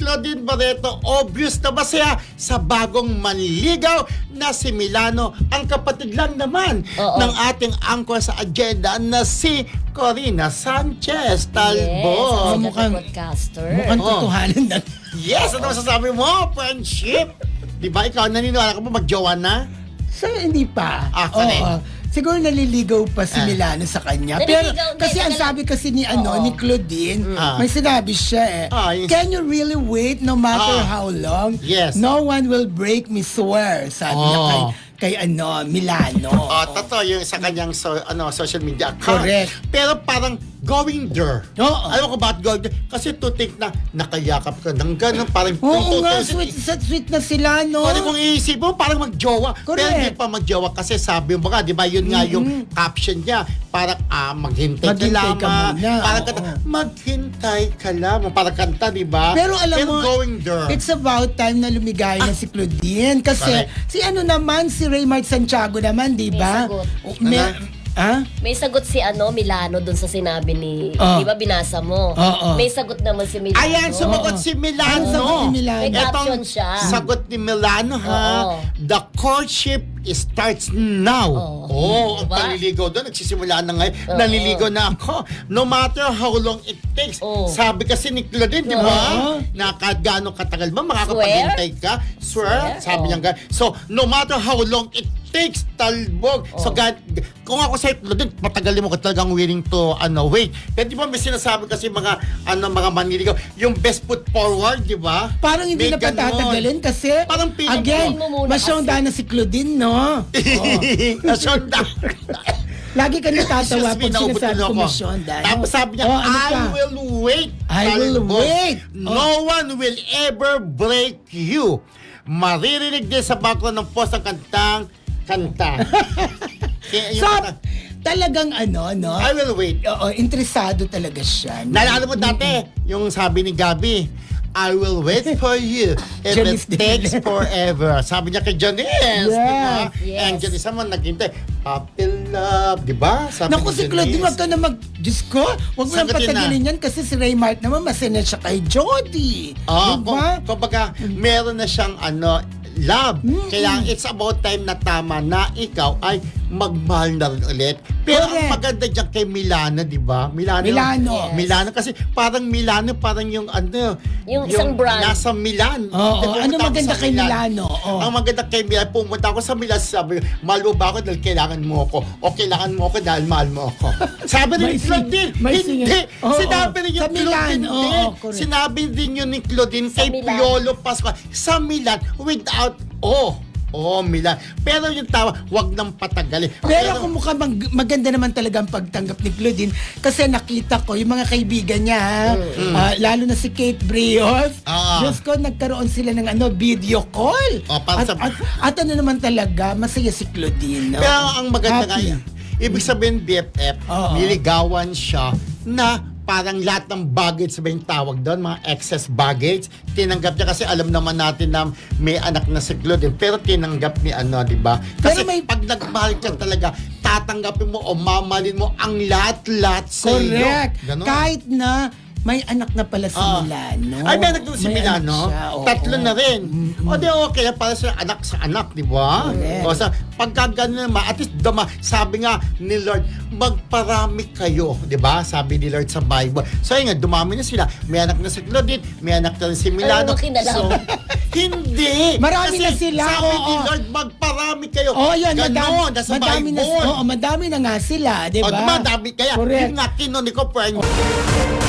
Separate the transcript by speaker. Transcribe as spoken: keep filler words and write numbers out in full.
Speaker 1: Claudine Barreto, obvious na ba siya sa bagong manligaw na si Milano, ang kapatid lang naman
Speaker 2: Oo.
Speaker 1: ng ating anchor sa agenda na si Corina Sanchez Talbo.
Speaker 2: Yes,
Speaker 3: Oh,
Speaker 2: ang
Speaker 3: mukhang-
Speaker 2: podcaster.
Speaker 3: Mukhang
Speaker 1: Oh.
Speaker 3: totohanan na.
Speaker 1: Yes, ano masasabi mo? Friendship? Di ba ikaw, naniniwala ka ba magjowa na?
Speaker 3: So, hindi pa.
Speaker 1: Ah, correct.
Speaker 3: Oo. Siguro naliligaw pa si
Speaker 1: Ah.
Speaker 3: Milano sa kanya. Pero
Speaker 2: Naliligaw,
Speaker 3: kasi
Speaker 2: hindi,
Speaker 3: ang
Speaker 2: tagal-
Speaker 3: sabi kasi ni ano
Speaker 2: Oo.
Speaker 3: ni Claudine,
Speaker 1: Ah.
Speaker 3: may sinabi siya eh.
Speaker 1: Ah, yung-
Speaker 3: Can you really wait no matter
Speaker 1: Ah.
Speaker 3: how long?
Speaker 1: Yes.
Speaker 3: No one will break me, swear. Sabi niya
Speaker 1: Oh.
Speaker 3: kay, kay ano, Milano.
Speaker 1: Oh, totoo yung sa kanyang so, ano, social media account.
Speaker 3: Correct.
Speaker 1: Pero parang going there.
Speaker 3: Oo.
Speaker 1: Alam ko bakit going there? Kasi to think na nakayakap ka ng gano'n, parang
Speaker 3: Oo nga,
Speaker 1: tutusin-
Speaker 3: sweet, sweet, sweet na sila, no?
Speaker 1: Pwede kong iisip mo, parang magjowa. Pero
Speaker 3: Correct.
Speaker 1: hindi pa magjowa kasi sabi mo nga, di ba, yun nga yung caption niya. Parang, ah, maghintay,
Speaker 3: Maghintay
Speaker 1: ka
Speaker 3: ka
Speaker 1: lamang.
Speaker 3: muna,
Speaker 1: Parang
Speaker 3: oo.
Speaker 1: kanta, maghintay ka lamang. Parang kanta, di ba?
Speaker 3: Pero alam
Speaker 1: Pero
Speaker 3: mo,
Speaker 1: going there.
Speaker 3: it's about time na lumigaya na si Claudine. Kasi,
Speaker 1: Correct.
Speaker 3: si ano naman, si Raymart Santiago naman, di
Speaker 2: May
Speaker 3: ba?
Speaker 2: sagot.
Speaker 3: O, may,
Speaker 1: Ano?
Speaker 3: ha?
Speaker 2: May sagot si ano Milano dun sa sinabi ni,
Speaker 3: Oh.
Speaker 2: di ba binasa mo?
Speaker 3: Oo.
Speaker 2: May sagot naman si Milano.
Speaker 1: Ayan, sumagot
Speaker 3: Oo.
Speaker 1: si Milano.
Speaker 3: Ano sagot ni Milano?
Speaker 2: May
Speaker 1: Etong
Speaker 2: caption siya.
Speaker 1: sagot ni Milano, ha?
Speaker 2: Oo.
Speaker 1: The courtship starts now.
Speaker 2: Oo.
Speaker 1: Oh, ang
Speaker 2: Diba?
Speaker 1: panliligaw doon. Nagsisimula na ngayon.
Speaker 2: Oo.
Speaker 1: Nanliligaw na ako. No matter how long it takes.
Speaker 2: Oo.
Speaker 1: Sabi kasi ni Claudine, di ba?
Speaker 3: Oo.
Speaker 1: Na kahit gaano katagal ba, makakapaghintay ka. Swear.
Speaker 2: Swear?
Speaker 1: Sabi
Speaker 2: Oo.
Speaker 1: niya nga. So, no matter how long it takes, talbog. So,
Speaker 2: Oo.
Speaker 1: God, kung ako sa'yo, Claudine, matagalin mo ka talagang willing to, ano, wait. Pero di ba may sinasabi kasi mga, ano, mga manliligaw, yung best foot forward, di ba?
Speaker 3: Parang hindi
Speaker 1: May
Speaker 3: na patatagalin kasi,
Speaker 1: Parang piling
Speaker 3: again,
Speaker 2: mo muna
Speaker 3: masyonda na si Claudine, no? Oh.
Speaker 1: Nasyonda.
Speaker 3: Lagi ka natatawa
Speaker 1: Excuse me,
Speaker 3: pag
Speaker 1: naubot
Speaker 3: sinasabi
Speaker 1: tuloy
Speaker 3: ko
Speaker 1: ako.
Speaker 3: masyonda. no?
Speaker 1: Tapos sabi niya,
Speaker 3: Oh, ano
Speaker 1: I
Speaker 3: pa?
Speaker 1: will wait.
Speaker 3: I will
Speaker 1: Talbog.
Speaker 3: wait.
Speaker 1: No one will ever break you. Maririnig din sa background ng post ang kantang kanta. Kaya yung
Speaker 3: So,
Speaker 1: kanta,
Speaker 3: talagang ano, no?
Speaker 1: I will wait.
Speaker 3: Oo, interesado talaga siya. no?
Speaker 1: Naalala mo dati, yung sabi ni Gabi, I will wait for you if
Speaker 3: Janice
Speaker 1: it takes
Speaker 3: Dillon.
Speaker 1: forever. Sabi niya kay Janice, di ba?
Speaker 2: Yes.
Speaker 1: And Janice naman naghintay. Puppy love, di ba? Sabi
Speaker 3: Naku,
Speaker 1: ni
Speaker 3: si Claudine,
Speaker 1: Janice.
Speaker 3: wag ka na mag... Diyos ko, wag mo nang
Speaker 1: Sagutin na.
Speaker 3: patagilin yan kasi si Raymart naman masaya siya kay Jody.
Speaker 1: Oh,
Speaker 3: diba?
Speaker 1: kung, kumbaga, meron na siyang ano, love.
Speaker 3: Mm-mm.
Speaker 1: Kaya it's about time na tama na ikaw ay magmahal na rin ulit. Pero ang
Speaker 3: Correct.
Speaker 1: maganda dyan kay Milano, di ba? Milano.
Speaker 3: Milano.
Speaker 2: Yes.
Speaker 1: Milano kasi parang Milano, parang yung ano,
Speaker 2: Yung isang brand.
Speaker 1: nasa Milan.
Speaker 3: Oo,
Speaker 1: Pumunta
Speaker 3: ano
Speaker 1: ako
Speaker 3: maganda
Speaker 1: sa
Speaker 3: kay
Speaker 1: Milan.
Speaker 3: Milano? Oo.
Speaker 1: Ang maganda kay Milan, pumunta ako sa Milan, sabi, mahal mo ba ako dahil kailangan mo ako? O kailangan mo ako dahil mahal mo ako? Sabi rin
Speaker 3: May
Speaker 1: ni
Speaker 3: sing-
Speaker 1: Claudine,
Speaker 3: may
Speaker 1: hindi.
Speaker 3: sing- Oo,
Speaker 1: Sinabi rin
Speaker 3: sa
Speaker 1: yung
Speaker 3: Milan,
Speaker 1: Claudine,
Speaker 3: oo,
Speaker 1: din.
Speaker 3: correct.
Speaker 1: Sinabi din yun ni Claudine
Speaker 2: Sa
Speaker 1: kay
Speaker 2: Milan.
Speaker 1: Piolo Pascual sa Milan without oh. Oh, Milan. Pero yung tawa, wag nang patagalin.
Speaker 3: Pero kung mukhang mag- maganda naman talaga ang pagtanggap ni Claudine kasi nakita ko yung mga kaibigan niya, ha? Ah, lalo na si Kate Brios.
Speaker 1: Ah.
Speaker 3: Diyos ko, nagkaroon sila ng ano video call.
Speaker 1: Oh, para
Speaker 3: at,
Speaker 1: sa-
Speaker 3: at, at ano naman talaga, masaya si Claudine. no?
Speaker 1: Pero ang maganda nga
Speaker 3: Happy.
Speaker 1: yan, ibig sabihin B F F,
Speaker 3: Oo.
Speaker 1: niligawan siya na parang lahat ng baggage, sabihin tawag doon, mga excess baggage, tinanggap niya kasi alam naman natin na may anak na si Claudine, pero tinanggap ni ano, di ba? Kasi
Speaker 3: Pero may-
Speaker 1: pag nagmahal ka talaga, tatanggapin mo o mamalin mo ang lahat-lahat sa iyo.
Speaker 3: Correct.
Speaker 1: Ganon.
Speaker 3: Kahit na may anak na pala si
Speaker 1: Ah.
Speaker 3: Milano.
Speaker 1: Ay, may anak doon si
Speaker 3: May
Speaker 1: Milano.
Speaker 3: anak siya, oo.
Speaker 1: Tatlo na rin. O di okay, para sa anak sa anak, di ba?
Speaker 3: Correct.
Speaker 1: O sa pagka gano'n naman, at least dama, sabi nga ni Lord, magparami kayo, di ba? Sabi ni Lord sa Bible. So yun nga, dumami na sila. May anak na si Claudine, may anak na rin si Milano.
Speaker 2: Ano kinalaman?
Speaker 1: So, hindi.
Speaker 3: Marami
Speaker 1: Kasi
Speaker 3: na sila,
Speaker 1: sabi ni
Speaker 3: oo.
Speaker 1: Lord, magparami kayo.
Speaker 3: Oh, yun,
Speaker 1: Ganon,
Speaker 3: madami,
Speaker 1: nasa
Speaker 3: madami na,
Speaker 1: Bible.
Speaker 3: oo, madami na nga sila, di
Speaker 1: O,
Speaker 3: ba?
Speaker 1: diba, dami. Kaya,
Speaker 3: Correct.
Speaker 1: yun nga, kinunin ko, friend.